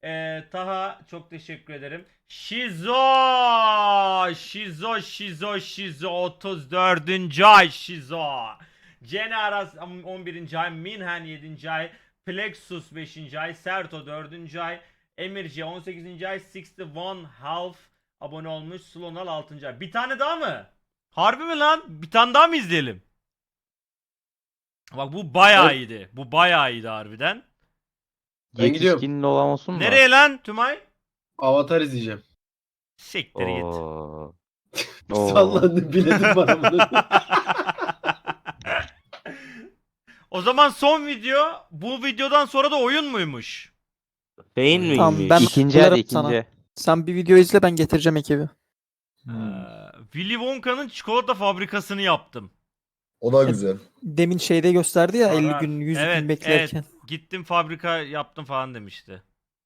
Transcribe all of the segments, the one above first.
Taha çok teşekkür ederim. Şizo 34. ay Şizo. Cene Aras 11. ay, Minhen 7. ay, Plexus 5. ay, Serto 4. ay, Emirci 18. ay, 61 half abone olmuş, Slonal 6. ay. Bir tane daha mı? Harbi mi lan? Bir tane daha mı izleyelim? Bak bu bayağı iyiydi. Bu bayağı iyiydi harbiden. Ben gidiyorum. Yetişkinin olan olsun mu? Nereye lan Tümay? Avatar izleyeceğim. Siktir git. Oo. Sallandı biledim bana bunu. O zaman son video, bu videodan sonra da oyun muymuş? Beyin miymiş? Tamam, ben İkinci hadi uyarım sana. ikinci. Sen bir video izle, ben getireceğim ekibi. Willy Wonka'nın çikolata fabrikasını yaptım. O da güzel. Demin şeyde gösterdi ya, 50 Var. gün 100 Evet, gün beklerken. Evet. Gittim fabrika yaptım falan demişti.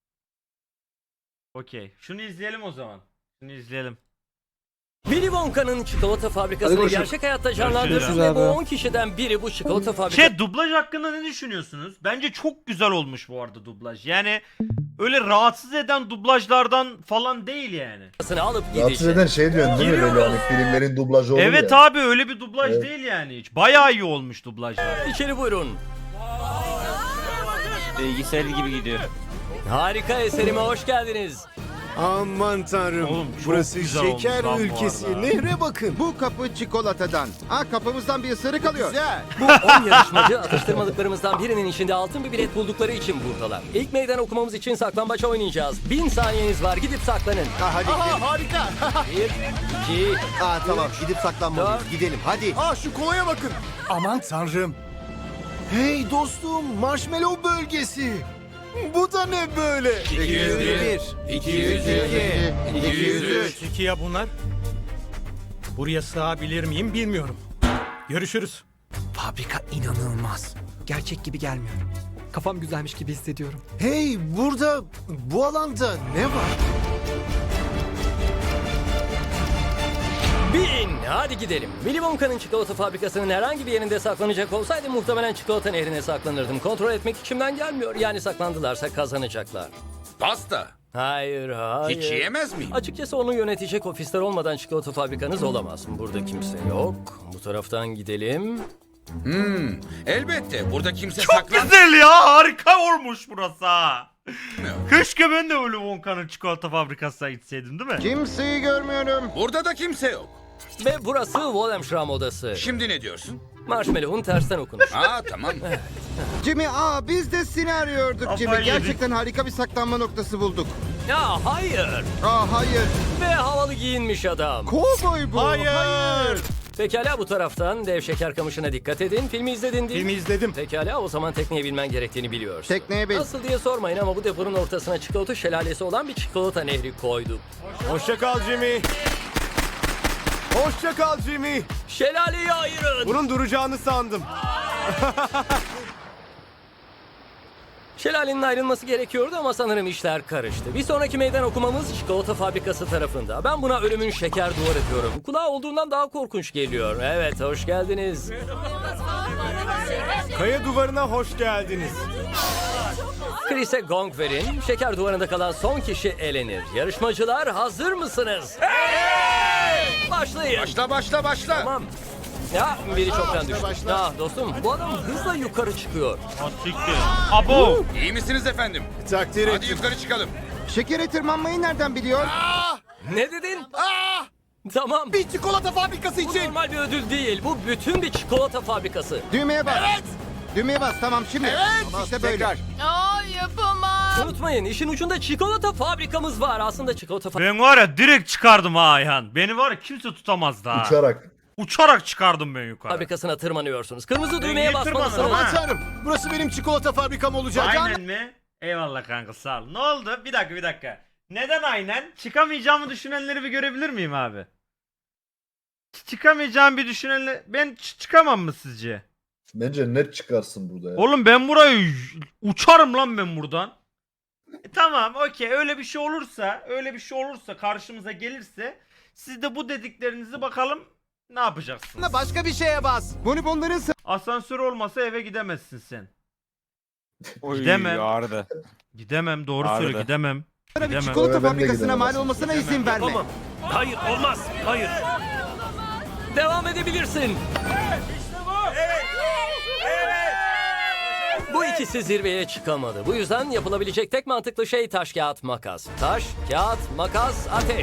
Okey. Şunu izleyelim o zaman. Şunu izleyelim. Willy Wonka'nın çikolata Hadi fabrikasını görüşürüz. gerçek hayatta canlandırdı Görüşürüz ve bu abi. 10 kişiden biri bu çikolata fabrikasını Dublaj hakkında ne düşünüyorsunuz? Bence çok güzel olmuş bu arada dublaj. Yani öyle rahatsız eden dublajlardan falan değil yani. alıp Rahatsız gidecek. eden şey diyorsun değil mi? Böyle hani filmlerin dublajı olur Evet ya. abi, öyle bir dublaj Evet. değil yani hiç. Bayağı iyi olmuş dublajlar. İçeri buyurun. Bilgisayar gibi gidiyor. Harika eserime hoş geldiniz. Aman tanrım. Oğlum, çok Burası güzel olmuş şeker lan bu ülkesi. arada. Nehre bakın. Bu kapı çikolatadan. Kapımızdan bir ısırık alıyor. Güzel. Bu 10 yarışmacı atıştırmalıklarımızdan birinin içinde altın bir bilet buldukları için buradalar. İlk meydan okumamız için saklambaç oynayacağız. 1000 saniyeniz var, gidip saklanın. Hadi gidelim. Harika. 1, 2, Tamam, gidip saklanmalıyız. Dört. Gidelim hadi. Şu kolaya bakın. Aman tanrım. Hey dostum, marshmallow bölgesi. Bu da ne böyle? 201, 202, 203. Peki ya bunlar? Buraya sığabilir miyim bilmiyorum. Görüşürüz. Fabrika inanılmaz. Gerçek gibi gelmiyor. Kafam güzelmiş gibi hissediyorum. Hey, burada, bu alanda ne var? 1000. Hadi gidelim. Willy Wonka'nın çikolata fabrikasının herhangi bir yerinde saklanacak olsaydı muhtemelen çikolata nehrine saklanırdım. Kontrol etmek içimden gelmiyor. Yani saklandılarsa kazanacaklar. Pasta. Hayır, hayır. Hiç yiyemez miyim? Açıkçası onu yönetecek ofisler olmadan çikolata fabrikanız olamaz. Burada kimse yok. Bu taraftan gidelim. Elbette. Burada kimse Çok saklan... güzel ya, harika olmuş burası ha. Keşke ben de öyle Wonka'nın çikolata fabrikasına gitseydim değil mi? Kimseyi görmüyorum. Burada da kimse yok. Ve burası Wallenstrom odası. Şimdi ne diyorsun? Marshmallow'un tersten okunuş. Tamam. Jimmy, biz de seni arıyorduk Kafayı Jimmy. yedik. Gerçekten harika bir saklanma noktası bulduk. Ya hayır. Hayır. Ve havalı giyinmiş adam. Kovboy bu. Hayır. Pekala, bu taraftan dev şeker kamışına dikkat edin. Filmi izledin değil mi? Filmi izledim. Pekala, o zaman tekneye binmen gerektiğini biliyorsun. Tekneye bin. Nasıl diye sormayın ama bu deponun ortasına çikolata şelalesi olan bir çikolata nehri koyduk. Hoşça kal Jimmy. Hoşça kal Jimmy. Şelaleyi ayırın. Bunun duracağını sandım. Şelalenin ayrılması gerekiyordu ama sanırım işler karıştı. Bir sonraki meydan okumamız çikolata fabrikası tarafında. Ben buna ölümün şeker duvarı diyorum. Kulağa olduğundan daha korkunç geliyor. Evet, hoş geldiniz. Kaya duvarına hoş geldiniz. Chris'e gong verin. Şeker duvarında kalan son kişi elenir. Yarışmacılar hazır mısınız? Başlayın. Başla. Tamam. Ya biri çoktan düştü. Dostum, bu adam hızla yukarı çıkıyor. Asiktir. Abo. İyi misiniz efendim? Takdir Hadi ettim. yukarı çıkalım. Şekere tırmanmayı nereden biliyor? Ne dedin? Tamam. Bir çikolata fabrikası Bu için. normal bir ödül değil. Bu bütün bir çikolata fabrikası. Düğmeye bas. Evet. Düğmeye bas, tamam şimdi. Evet. İşte böyle. Unutmayın, işin ucunda çikolata fabrikamız var. Aslında çikolata Ben var ya direkt çıkardım ha Ayhan. Beni var ya kimse tutamazdı ha. Uçarak. Uçarak çıkardım ben yukarı. fabrikasına tırmanıyorsunuz. Kırmızı düğmeye niye basmalısınız. tırmanırım ha? Aman tanrım. Burası benim çikolata fabrikam olacak. Aynen mi? Eyvallah kanka, sağ ol. Ne oldu? Bir dakika. Neden aynen? Çıkamayacağımı düşünenleri bir görebilir miyim abi? Çıkamayacağım bir düşünenler... Ben çıkamam mı sizce? Bence net çıkarsın burada ya. Oğlum ben burayı uçarım lan ben buradan. Tamam, okey, öyle bir şey olursa karşımıza gelirse siz de bu dediklerinizi bakalım ne yapacaksınız? Başka bir şeye bas. Bonibonların Asansör olmasa eve gidemezsin sen. Gidemem. Ağrıdı. Gidemem. Doğru Ağrıdı. söyle gidemem. Bir Gidemem. çikolata Ben de fabrikasına gidemem mal aslında. olmasına izin verme. Tamam. Hayır olmaz. Hayır. Devam edebilirsin. Bu ikisi zirveye çıkamadı. Bu yüzden yapılabilecek tek mantıklı şey taş, kağıt, makas. Taş, kağıt, makas, ateş.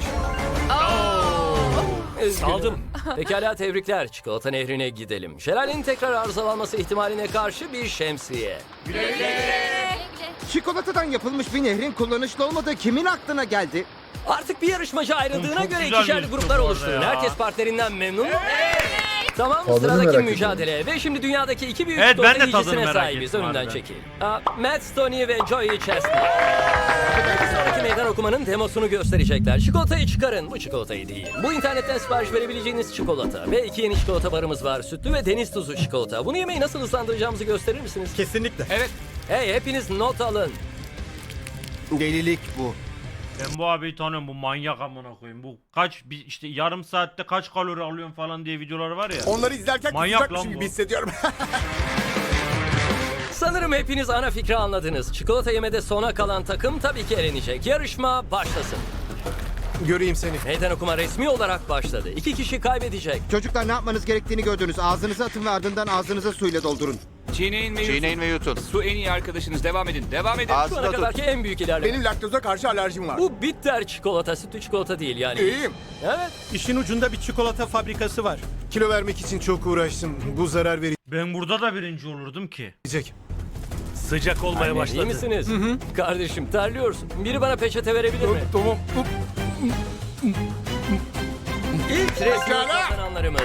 Aldım. Pekala tebrikler. Çikolata nehrine gidelim. Şelalenin tekrar arızalanması ihtimaline karşı bir şemsiye. Çikolatadan yapılmış bir nehrin kullanışlı olmadığı kimin aklına geldi? Artık bir yarışmacı ayrıldığına Çok göre güzel ikişerli gözüküyor gruplar bu arada oluşturun. ya. Herkes partnerinden memnun mu? Tamam, Tadını sıradaki merak mücadele. Ve şimdi dünyadaki iki büyük Evet, çikolata ben de tadını yiyicisine merak sahibiz. ettim Önümden harbiden. çekil. Matt Stoney ve Joey Chestnut. Bir sonraki meydan okumanın demosunu gösterecekler. Çikolatayı çıkarın. Bu çikolatayı değil. Bu internetten sipariş verebileceğiniz çikolata. Ve 2 yeni çikolata barımız var. Sütlü ve deniz tuzu çikolata. Bunu yemeği nasıl hızlandıracağımızı gösterir misiniz? Kesinlikle. Evet. Hey, hepiniz not alın. Delilik bu. Ben bu abiyi tanıyorum. Bu manyak amına koyayım. Bu kaç işte yarım saatte kaç kalori alıyorsun falan diye videoları var ya. Onları izlerken Manyak kusacakmışım lan bu. gibi hissediyorum. Sanırım hepiniz ana fikri anladınız. Çikolata yemede sona kalan takım tabii ki elenecek. Yarışma başlasın. Göreyim seni. Meydan okuma resmi olarak başladı. 2 kişi kaybedecek. Çocuklar ne yapmanız gerektiğini gördünüz. Ağzınıza atın ve ardından ağzınıza suyla doldurun. Çiğneyin ve yutun. Su en iyi arkadaşınız. Devam edin. Devam edin. Şu ana kadarki en büyük ilerleme. Benim laktoza karşı alerjim var. Bu bitter çikolata, sütlü çikolata değil yani. İyiyim. Evet. İşin ucunda bir çikolata fabrikası var. Kilo vermek için çok uğraştım. Bu zarar Ben burada da birinci olurdum ki. verecek. Sıcak olmaya başladı. İyi misiniz? Kardeşim terliyorsun. Biri bana peçete verebilir mi? Tamam. İlk resmi kazananlarımız.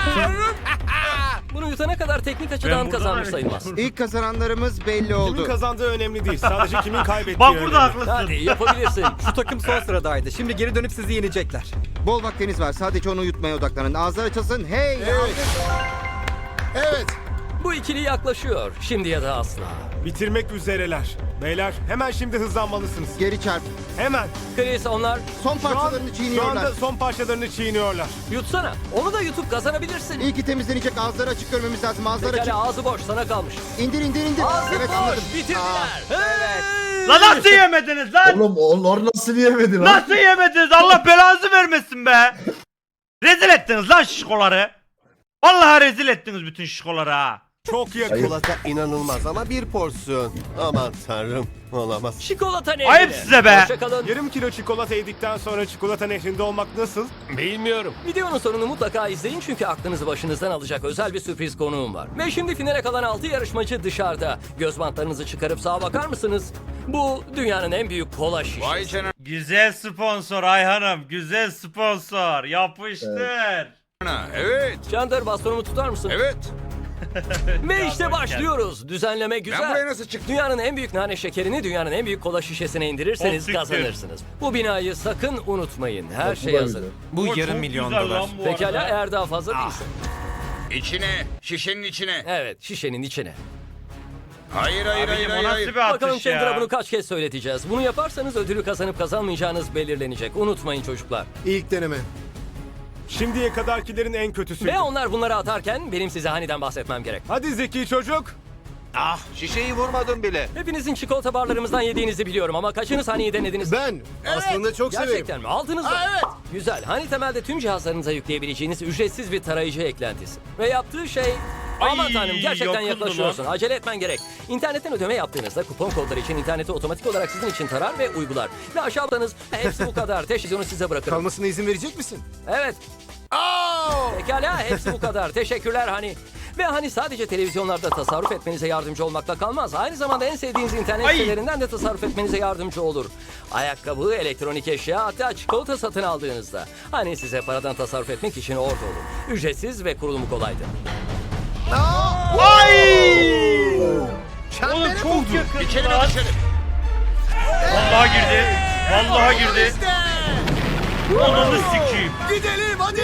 Bunu yutana kadar teknik açıdan burada kazanmış da- sayılmaz. İlk kazananlarımız belli Kimin oldu. kazandığı önemli değil. Sadece kimin kaybettiği Bak önemli. burada haklısın. Hadi yapabilirsin. Şu takım son sıradaydı. Şimdi geri dönüp sizi yenecekler. Bol vaktiniz var. Sadece onu yutmaya odaklanın. Ağızlar açılsın. Hey! Evet. Evet. Bu ikili yaklaşıyor. Şimdi ya da asla. Bitirmek üzereler. Beyler hemen şimdi hızlanmalısınız. Geri çarp. Hemen. Chris onlar Son Şu, an, parçalarını şu çiğniyorlar. anda son parçalarını çiğniyorlar. yutsana. Onu da yutup kazanabilirsin. İyi ki temizlenecek. Ağızları açık görmemiz lazım. Ağızlar açık. Pekala ağzı boş sana kalmış. İndir indir indir. Ağzı Evet boş anladım. bitirdiler. Evet. Lan nasıl yemediniz lan? Oğlum onlar nasıl yemedi lan? Nasıl yemediniz? Allah belanızı vermesin be. Rezil ettiniz lan şişkoları. Vallahi rezil ettiniz bütün şişkoları ha. Çok yakın. Çikolata inanılmaz ama bir porsiyon. Aman tanrım. Olamaz. Çikolata nehri. Ayıp size be. Hoşçakalın. Yarım kilo çikolata yedikten sonra çikolata nehrinde olmak nasıl? Bilmiyorum. Videonun sonunu mutlaka izleyin çünkü aklınızı başınızdan alacak özel bir sürpriz konuğum var. Ve şimdi finale kalan 6 yarışmacı dışarıda. Göz bantlarınızı çıkarıp sağa bakar mısınız? Bu dünyanın en büyük kola şişesi. Vay canına. Güzel sponsor Ayhan'ım. Güzel sponsor. Yapıştır. Evet. Chandler bastonumu tutar mısın? Evet. Ve işte başlıyoruz. Düzenleme güzel. Ben buraya nasıl çıktım? Dünyanın en büyük nane şekerini dünyanın en büyük kola şişesine indirirseniz Siktir. kazanırsınız. Bu binayı sakın unutmayın. Her bu şey da hazır. güzel. Bu O yarım çok milyon güzel dolar. lan bu Pekala arada. eğer daha fazla değilse. İçine. Şişenin içine. Evet şişenin içine. Hayır hayır hayır Abicim o hayır. nasıl hayır. bir atış Bakalım Chandler'a ya? bunu kaç kez söyleteceğiz. Bunu yaparsanız ödülü kazanıp kazanmayacağınız belirlenecek. Unutmayın çocuklar. İlk deneme. Şimdiye kadarkilerin en kötüsüydü. Ve onlar bunları atarken benim size Hani'den bahsetmem gerek. Hadi zeki çocuk. Ah şişeyi vurmadım bile. Hepinizin çikolata barlarımızdan yediğinizi biliyorum ama kaçınız Hani'yi denediniz? Ben aslında çok severim. Gerçekten mi? Aldınız mı? Evet. Güzel. Hani temelde tüm cihazlarınıza yükleyebileceğiniz ücretsiz bir tarayıcı eklentisi. Ve yaptığı şey... Aman Ay, tanrım gerçekten yakındı yaklaşıyorsun. lan. Acele etmen gerek. İnternetten ödeme yaptığınızda kupon kodları için interneti otomatik olarak sizin için tarar ve uygular. Ve aşağıdanız hepsi bu kadar. Televizyonu size bırakırım. Kalmasına izin verecek misin? Evet. Pekala hepsi bu kadar. Teşekkürler Hani. Ve hani sadece televizyonlarda tasarruf etmenize yardımcı olmakla kalmaz. Aynı zamanda en sevdiğiniz internet Ay. sitelerinden de tasarruf etmenize yardımcı olur. Ayakkabı, elektronik eşya hatta çikolata satın aldığınızda. Hani size paradan tasarruf etmek için orada olur. Ücretsiz ve kurulumu kolaydı. Ay! Oğlum çok yakın İçeri lan. mi dışarı? Vallahi girdi. Vallahi girdi. Ananı sikeyim. Gidelim hadi.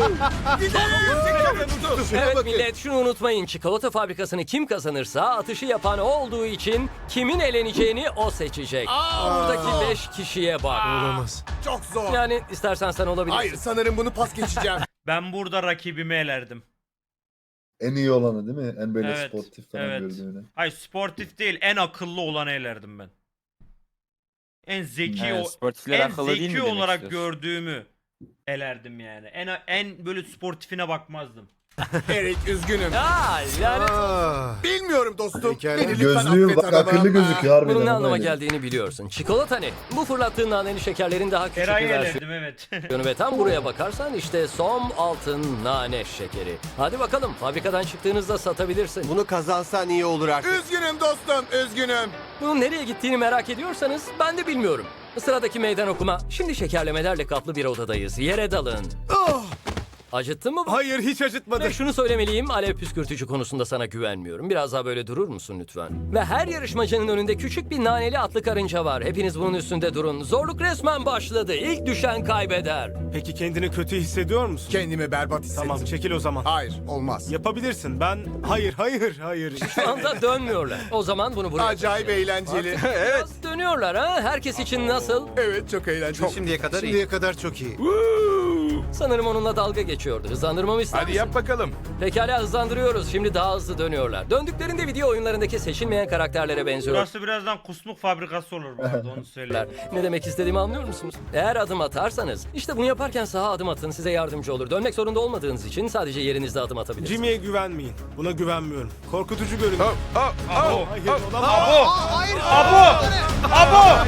Evet millet şunu unutmayın. Çikolata fabrikasını kim kazanırsa atışı yapan o olduğu için kimin eleneceğini o seçecek. Buradaki 5 kişiye bak. Olamaz. Çok zor. Yani istersen sen olabilirsin. Hayır sanırım bunu pas geçeceğim. Ben burada rakibimi elerdim. En iyi olanı değil mi? En böyle Evet, sportif falan evet. gördüğünü. Hayır sportif değil, en akıllı olanı elerdim ben. En zeki Yani o sportifler en akıllı değil mi zeki demek olarak istiyorsun? gördüğümü elerdim yani. En böyle sportifine bakmazdım. Erik üzgünüm. Aa, lanet. Bilmiyorum dostum. Beni lütfen Gözlüğüm affet bak arabam. akıllı gözüküyor harbiden. Bunun ne ama anlama öyle. geldiğini biliyorsun. Çikolata ne? Bu fırlattığın naneli şekerlerin daha küçük Eray'ı bir versiyonu. elerdim evet. Ve tam buraya bakarsan işte som altın nane şekeri. Hadi bakalım fabrikadan çıktığınızda satabilirsin. Bunu kazansan iyi olur artık. Üzgünüm dostum, üzgünüm. Bunun nereye gittiğini merak ediyorsanız ben de bilmiyorum. Sıradaki meydan okuma. Şimdi şekerlemelerle kaplı bir odadayız. Yere dalın. Acıttı mı bu? Hayır, hiç acıtmadı. Ve şunu söylemeliyim, alev püskürtücü konusunda sana güvenmiyorum. Biraz daha böyle durur musun lütfen? Ve her yarışmacının önünde küçük bir naneli atlı karınca var. Hepiniz bunun üstünde durun. Zorluk resmen başladı. İlk düşen kaybeder. Peki kendini kötü hissediyor musun? Kendimi berbat hissettim. Tamam çekil o zaman. Hayır, olmaz. Yapabilirsin. Ben hayır. Şu anda dönmüyorlar. O zaman bunu buraya Acayip taşıyalım. eğlenceli. Biraz dönüyorlar ha. Herkes için nasıl? Evet, çok eğlenceli. Şimdiye kadar iyi. Şimdiye kadar çok iyi. Sanırım onunla dalga geçiyordu. Hızlandırmamı ister misin? bakalım. Pekala hızlandırıyoruz. Şimdi daha hızlı dönüyorlar. Döndüklerinde video oyunlarındaki seçilmeyen karakterlere benziyor. Burası birazdan kusmuk fabrikası olur bu arada onu söyleyeyim. Ne demek istediğimi anlıyor musunuz? Eğer adım atarsanız, işte bunu yaparken sağa adım atın, size yardımcı olur. Dönmek zorunda olmadığınız için sadece yerinizde adım atabilirsiniz. Jimmy'ye güvenmeyin. Buna güvenmiyorum. Korkutucu görünüyor. Abo! Hayır olamaz. Abo! Abo!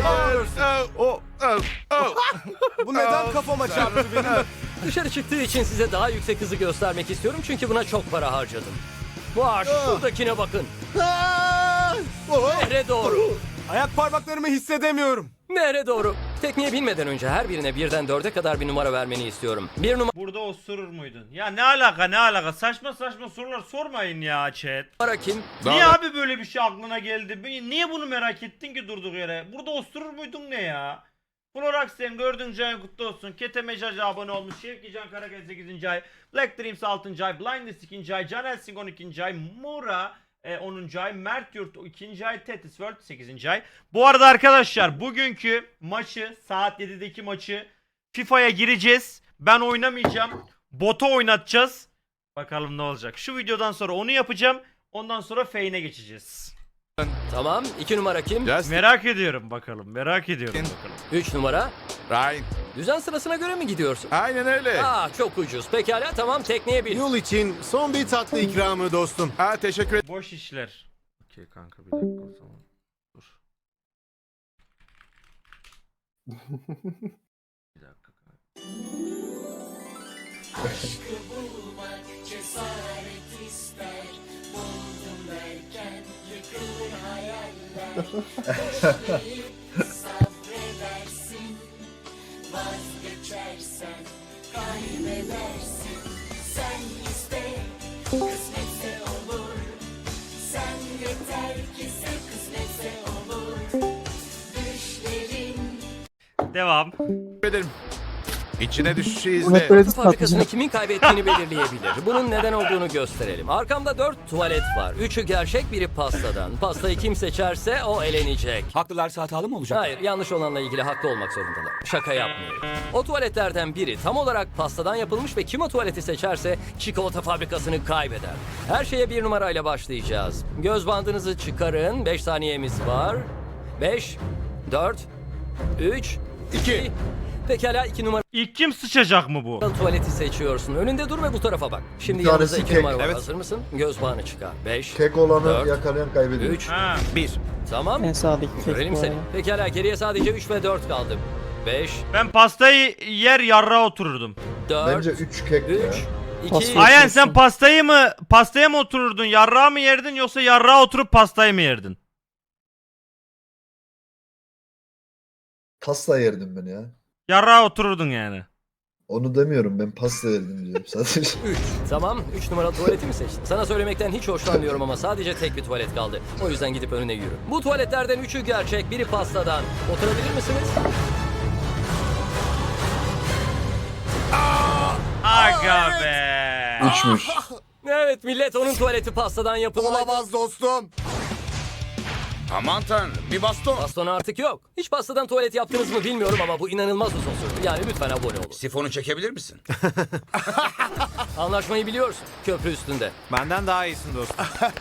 Bu neden kafama çarptı benim? Dışarı çıktığı için size daha yüksek hızı göstermek istiyorum çünkü buna çok para harcadım. Vay, şuradakine bakın. Nehre doğru. Ayak parmaklarımı hissedemiyorum. Nehre doğru. Tekniğe binmeden önce her birine birden 4'e kadar bir numara vermeni istiyorum. Bir Burada osurur muydun? Ya ne alaka? Saçma saçma sorular sormayın ya chat. numara kim? Niye abi böyle bir şey aklına geldi? Niye bunu merak ettin ki durduk yere? Burada osurur muydun ne ya? Floraxen 4. ayın kutlu olsun. Kete Mecacı abone olmuş. Şevkican Karakel 8. ay. Black Dreams 6. ay. Blindness 2. ay. Can Elsing 12. ay. Mura 10. ay. Mert Yurt 2. ay. Tetis World 8. ay. Bu arada arkadaşlar bugünkü maçı saat 7'deki maçı FIFA'ya gireceğiz. Ben oynamayacağım. Bot'a oynatacağız. Bakalım ne olacak. Şu videodan sonra onu yapacağım. Ondan sonra Fane'e geçeceğiz. Tamam. 2 numara kim? Merak ediyorum bakalım. 3 numara. Ryan. Düzen sırasına göre mi gidiyorsun? Aynen öyle. Çok ucuz. Pekala tamam tekneye bin. Yol için son bir tatlı ikramı dostum. Teşekkür ederim. Boş işler. Okey kanka bir dakika o zaman. Dur. Bir dakika kanka. Devam. ederim. İçine düşüşü Bunu hep izle. böyle Su fabrikasını kimin kaybettiğini belirleyebilir. Bunun neden olduğunu gösterelim. Arkamda 4 tuvalet var. 3'ü gerçek, biri pastadan. Pastayı kim seçerse o elenecek. Haklılarsa hatalı mı olacak? Hayır, yanlış olanla ilgili haklı olmak zorundalar. Şaka yapmıyorum. O tuvaletlerden biri tam olarak pastadan yapılmış ve kim o tuvaleti seçerse çikolata fabrikasını kaybeder. Her şeye 1 numarayla başlayacağız. Göz bandınızı çıkarın. 5 saniyemiz var. 5, 4, 3, 2. Pekala 2 numara. İlk kim sıçacak mı bu? Tuvaleti seçiyorsun. Önünde dur ve bu tarafa bak. Şimdi Bir yanınızda tanesi 2 kek. numara var. Evet. Hazır mısın? Göz bağını çıkar. 5, Kek olanı Dört. yakalayan kaybediyor. 3, Ha. 1. tamam. En sağdaki tek Görelim bu seni. arada. Pekala geriye sadece 3 ve 4 kaldı. 5, Ben pastayı yer yarrağa otururdum. 4, Bence 3 kek 3, ya. 2, Pasta- Ayhan sen pastaya mı otururdun? Yarrağa mı yerdin yoksa yarrağa oturup pastayı mı yerdin? Pasta yerdim ben ya. Yarrağa otururdun yani. Onu demiyorum, ben pasta yerdim diyorum sadece. 3. Tamam 3 numaralı tuvaleti mi seçtin? Sana söylemekten hiç hoşlanmıyorum ama sadece tek bir tuvalet kaldı. O yüzden gidip önüne yürü. Bu tuvaletlerden 3'ü gerçek, biri pastadan. Oturabilir misiniz? Aga be. 3'müş. Evet millet onun tuvaleti pastadan yapılmış. Olamaz dostum. Aman tanrım, bir baston. Baston artık yok. Hiç pastadan tuvalet yaptınız mı bilmiyorum ama bu inanılmaz uzun sürdü. Yani lütfen abone olun. Sifonu çekebilir misin? Anlaşmayı biliyorsun. Köprü üstünde. Benden daha iyisin dostum.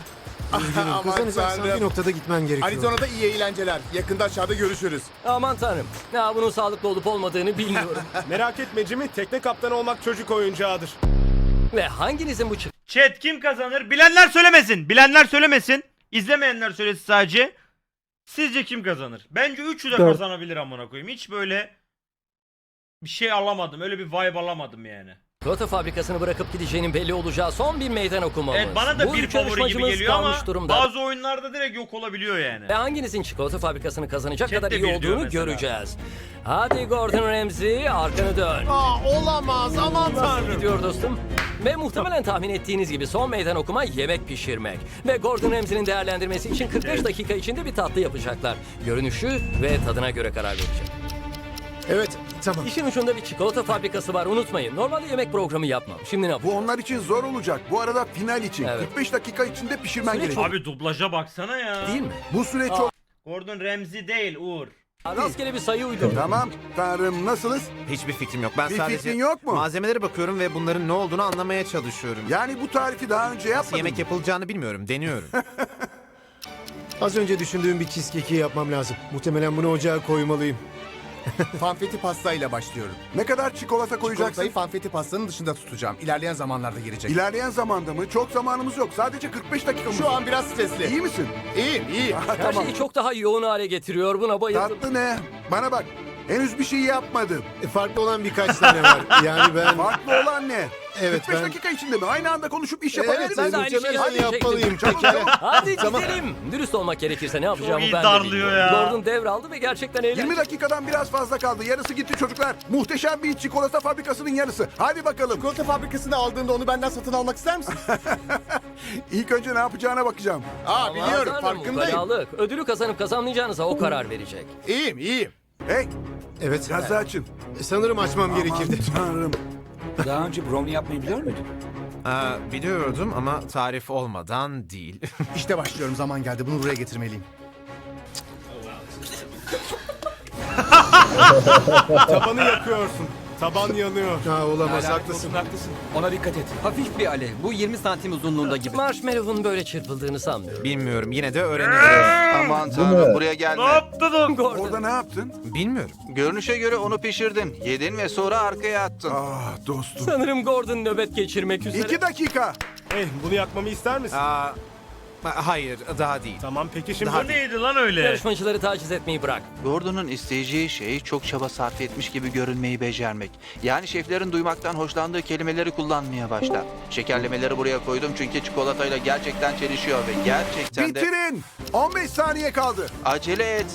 Aman tanrım. Bir noktada gitmen gerekiyor. Arizona'da iyi eğlenceler. Yakında aşağıda görüşürüz. Aman tanrım. Ya bunun sağlıklı olup olmadığını bilmiyorum. Merak etme Jimmy, tekne kaptanı olmak çocuk oyuncağıdır. Ve hanginizin bu Chat kim kazanır? Bilenler söylemesin. Bilenler söylemesin. İzlemeyenler söylesin sadece. Sizce kim kazanır? Bence üçü de Dört. kazanabilir amına koyayım. Hiç böyle bir şey alamadım. Öyle bir vibe alamadım yani. çikolata fabrikasını bırakıp gideceğinin belli olacağı son bir meydan okumamız. Evet bana da Bu bir üç favori gibi yarışmacımız geliyor ama kalmış durumda. bazı oyunlarda direkt yok olabiliyor yani. Ve hanginizin çikolata fabrikasını kazanacak Chat kadar de iyi bir diyor olduğunu mesela. göreceğiz. Hadi Gordon Ramsay arkanı dön. Olamaz, aman Nasıl gidiyor dostum? Ve muhtemelen tahmin ettiğiniz gibi son meydan okuma yemek pişirmek. Ve Gordon Ramsay'nin değerlendirmesi için 45 dakika içinde bir tatlı yapacaklar. Görünüşü ve tadına göre karar verecek. Evet, tamam. İşin ucunda bir çikolata fabrikası var unutmayın. Normalde yemek programı yapmam. Şimdi ne yapacağım? onlar için zor olacak. Bu arada final için. Evet. 45 dakika içinde pişirmen Süreç gerekiyor. Abi dublaja baksana ya. Değil mi? Bu süre Aa. çok... Gordon Ramsay değil Uğur. Rastgele bir sayı uydum. Tamam, tanrım nasılız? Hiçbir fikrim yok. Ben Bir sadece fikrin yok mu? malzemelere bakıyorum ve bunların ne olduğunu anlamaya çalışıyorum. Yani bu tarifi daha önce Nasıl yapmadın yemek mı? yapılacağını bilmiyorum. Deniyorum. Az önce düşündüğüm bir cheesecake'i yapmam lazım. Muhtemelen bunu ocağa koymalıyım. Fanfeti pastayla başlıyorum. Ne kadar çikolata koyacaksın? Çikolatayı fanfeti pastanın dışında tutacağım. İlerleyen zamanlarda gelecek. İlerleyen zamanda mı? Çok zamanımız yok. Sadece 45 dakikamız Şu var. an biraz stresli. İyi misin? İyiyim, iyiyim. Ha, Her tamam. şeyi çok daha yoğun hale getiriyor. Buna bayıldım. Tatlı ne? Bana bak. Henüz bir şey yapmadım. Farklı olan birkaç tane var. Yani ben... Farklı olan ne? Evet, 45 ben- dakika içinde mi? Aynı anda konuşup iş Evet, yapabiliriz. ben de aynı şeyi muhtemelen söyleyecektim. yapmalıyım. Çabuk, Pekala. çabuk. Hadi Tamam. gidelim. Dürüst olmak gerekirse ne yapacağımı iyi ben de darlıyor bilmiyorum. ya. Gordon devraldı ve gerçekten eğlenceli. 20 dakikadan biraz fazla kaldı. Yarısı gitti çocuklar. Muhteşem bir çikolata fabrikasının yarısı. Hadi bakalım. Çikolata fabrikasını aldığında onu benden satın almak ister misin? İlk önce ne yapacağına bakacağım. Aa, biliyorum, Tanrım, farkındayım. ukalalık. Ödülü kazanıp kazanmayacağınıza o karar verecek. İyiyim, iyiyim. Hey, Evet. gazı açın. Sanırım açmam gerekirdi. Aman tanrım. Daha önce brownie yapmayı biliyor muydun? Biliyordum ama tarif olmadan değil. İşte başlıyorum, zaman geldi. Bunu buraya getirmeliyim. Tabanı yakıyorsun. Taban yanıyor. Ha, olamaz, haklısın. Haklısın. Ona dikkat et. Hafif bir alev. Bu 20 santim uzunluğunda gibi. Marshmallow'un böyle çırpıldığını sanmıyorum. Bilmiyorum. Yine de öğreniriz. Aman tanrım buraya Ne gelme. yaptın? Gordon. Orada ne yaptın? Bilmiyorum. Görünüşe göre onu pişirdin. Yedin ve sonra arkaya attın. Ah dostum. Sanırım Gordon nöbet geçirmek üzere. 2 dakika. Hey, bunu yakmamı ister misin? Hayır, daha değil. Tamam peki şimdi. Bu neydi lan öyle? Yarışmacıları taciz etmeyi bırak. Gordon'un isteyeceği şey çok çaba sarf etmiş gibi görünmeyi becermek. Yani şeflerin duymaktan hoşlandığı kelimeleri kullanmaya başla. Şekerlemeleri buraya koydum çünkü çikolatayla gerçekten çelişiyor ve gerçekten de... Bitirin. 15 saniye kaldı. Acele et.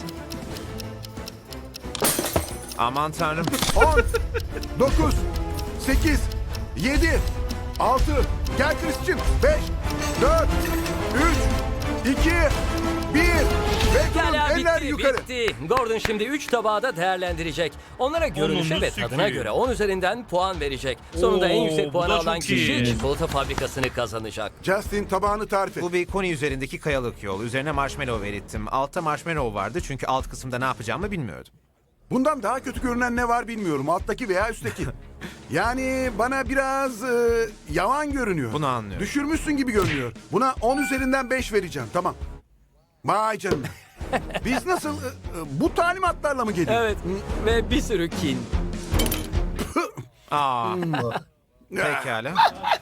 Aman tanrım. 10, 9, 8, 7, 6, gel Christian. 5, 4, 3, 2, 1. Ve Pekala durun, eller bitti, yukarı. bitti. Gordon şimdi 3 tabağı da değerlendirecek. Onlara görünüşe Onunu ve tadına sikeyim. göre 10 üzerinden puan verecek. Sonunda en Oo, yüksek bu puanı da alan çok iyi. kişi çikolata fabrikasını kazanacak. Justin tabağını tarif et. Bu bir koni üzerindeki kayalık yol. Üzerine marshmallow erittim. Altta marshmallow vardı çünkü alt kısımda ne yapacağımı bilmiyordum. Bundan daha kötü görünen ne var bilmiyorum. Alttaki veya üstteki. Yani bana biraz yavan görünüyor. Bunu anlıyorum. Düşürmüşsün gibi görünüyor. Buna 10 üzerinden 5 vereceğim. Tamam. Vay canına. Biz nasıl bu talimatlarla mı geliyor? Evet ve bir sürü kin. Pekala.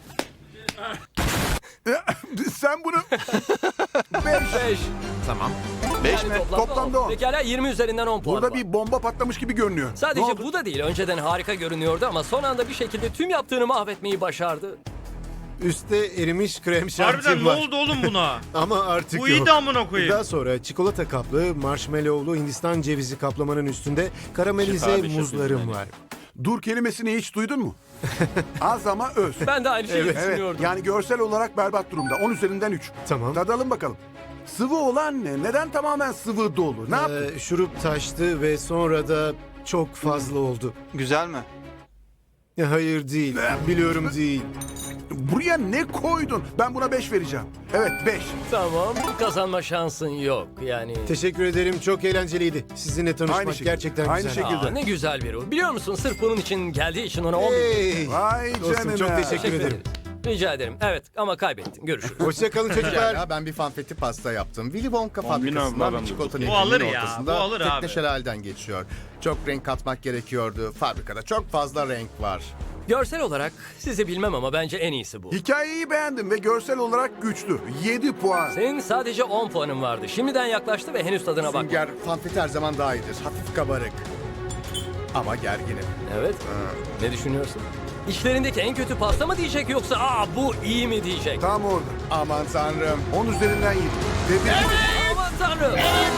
Sen bunu 5. Tamam. 5 mi? Toplamda 10. Pekala 20 üzerinden 10 puan Burada var. bir bomba patlamış gibi görünüyor. Ne Sadece oldu? bu da değil. Önceden harika görünüyordu ama son anda bir şekilde tüm yaptığını mahvetmeyi başardı. Üstte erimiş krem Harbiden şantim ne var. oldu oğlum buna? Ama artık Bu yok. iyi de amına koyayım. Daha sonra çikolata kaplı, marshmallowlu Hindistan cevizi kaplamanın üstünde karamelize muzlarım var. Dur kelimesini hiç duydun mu? Az ama öz. Ben de aynı şeyi Evet, düşünüyordum. yani görsel olarak berbat durumda. 10 üzerinden 3. Tamam. Tadalım bakalım. Sıvı olan ne? Neden tamamen sıvı dolu? Ne yaptın? Şurup taştı ve sonra da çok fazla oldu. Güzel mi? Hayır değil. Biliyorum değil. Buraya ne koydun? Ben buna 5 vereceğim. Evet 5. Tamam, kazanma şansın yok. Yani... Teşekkür ederim. Çok eğlenceliydi. Sizinle tanışmak gerçekten güzel. Aa, ne güzel bir ruh. Biliyor musun sırf bunun için geldiği için ona 10 bin... Vay canına. Çok teşekkür ederim. Rica ederim. Evet ama kaybettin. Görüşürüz. Hoşçakalın çocuklar. Ben bir fanfeti pasta yaptım. Willy Wonka fabrikasından bir çikolata Bu alır nehrinin ya, ortasında bu alır abi. tekne şelaleden geçiyor. Çok renk katmak gerekiyordu. Fabrikada çok fazla renk var. Görsel olarak sizi bilmem ama bence en iyisi bu. Hikayeyi beğendim ve görsel olarak güçlü. 7 puan. Senin sadece 10 puanın vardı. Şimdiden yaklaştı ve henüz tadına bak. Sünger fanfeti her zaman daha iyidir. Hafif kabarık. Ama gerginim. Evet. Ne düşünüyorsun? İşlerindeki en kötü pasta mı diyecek yoksa bu iyi mi diyecek? Tam orada. Aman tanrım. 10 üzerinden 7. Aman tanrım.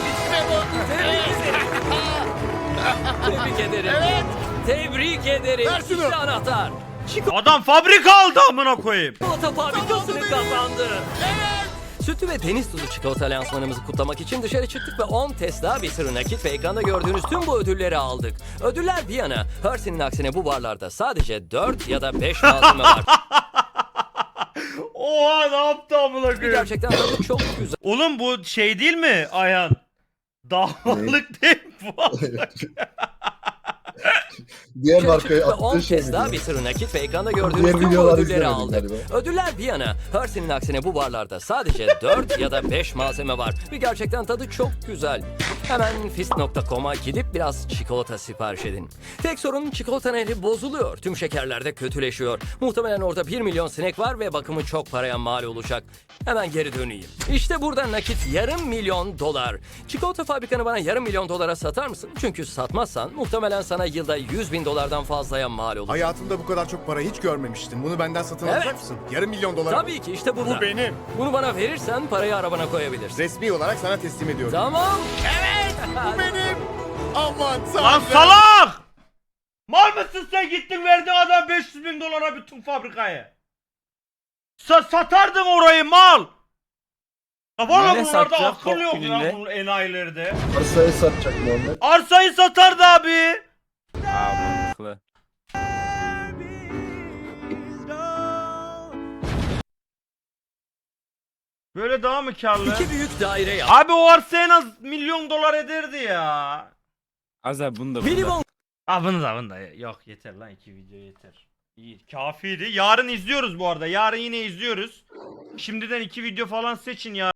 Tebrik ederim. Tebrik ederim. Ver şunu. İşte anahtar. Adam fabrika aldı amına koyayım. Çikolata fabrikasını kazandı. Sütlü ve deniz tuzu çikolata lansmanımızı kutlamak için dışarı çıktık ve 10 Tesla, bir sürü nakit ve ekranda gördüğünüz tüm bu ödülleri aldık. Ödüller bir yana, Hershey'nin aksine bu barlarda sadece 4 ya da 5 malzeme var. Oha ne yaptı amına koyayım. Gerçekten tadı çok güzel. Oğlum bu şey değil mi Ayhan? Davalık değil mi bu? Diğer Dışarı markaya çıktık ve 10 attığı şey Tesla, mi? bir sürü nakit ve ekranda Diğer gördüğünüz tüm bu videoları ödülleri izlemedim aldık. galiba. Ödüller bir yana, Hershey'nin aksine bu barlarda sadece 4 ya da 5 malzeme var. Ve gerçekten tadı çok güzel. Hemen fist.com'a gidip biraz çikolata sipariş edin. Tek sorun çikolata nehri bozuluyor. Tüm şekerler de kötüleşiyor. Muhtemelen orada 1 milyon sinek var ve bakımı çok paraya mal olacak. Hemen geri döneyim. İşte burada nakit $500,000. Çikolata fabrikanı bana $500,000 satar mısın? Çünkü satmazsan muhtemelen sana yılda $100,000'dan fazlaya mal olur. Hayatımda bu kadar çok para hiç görmemiştim. Bunu benden satın Evet. alacak mısın? $500,000 milyon. Tabii ki işte burada. Bu benim. Bunu bana verirsen parayı arabana koyabilirsin. Resmi olarak sana teslim ediyorum. Tamam. Bu benim. Aman Lan tanrım. salak! Mal mısın sen gittin verdin adam $500,000 bütün fabrikayı. Satardın orayı mal. Ya valla Ne bunlarda satacak akıl yok top ya gününde? bu enayilerde. Arsayı satacak Muhammed. Arsayı satardı abi. Mantıklı. Böyle daha mı karlı? 2 büyük daire yap. Abi o arsa en az $1,000,000 ederdi ya. Az abi bunu da Willy Wonka Bunu da yok yeter lan 2 video yeter. İyi kafiydi. Yarın izliyoruz bu arada. Yarın yine izliyoruz. Şimdiden 2 video falan seçin ya.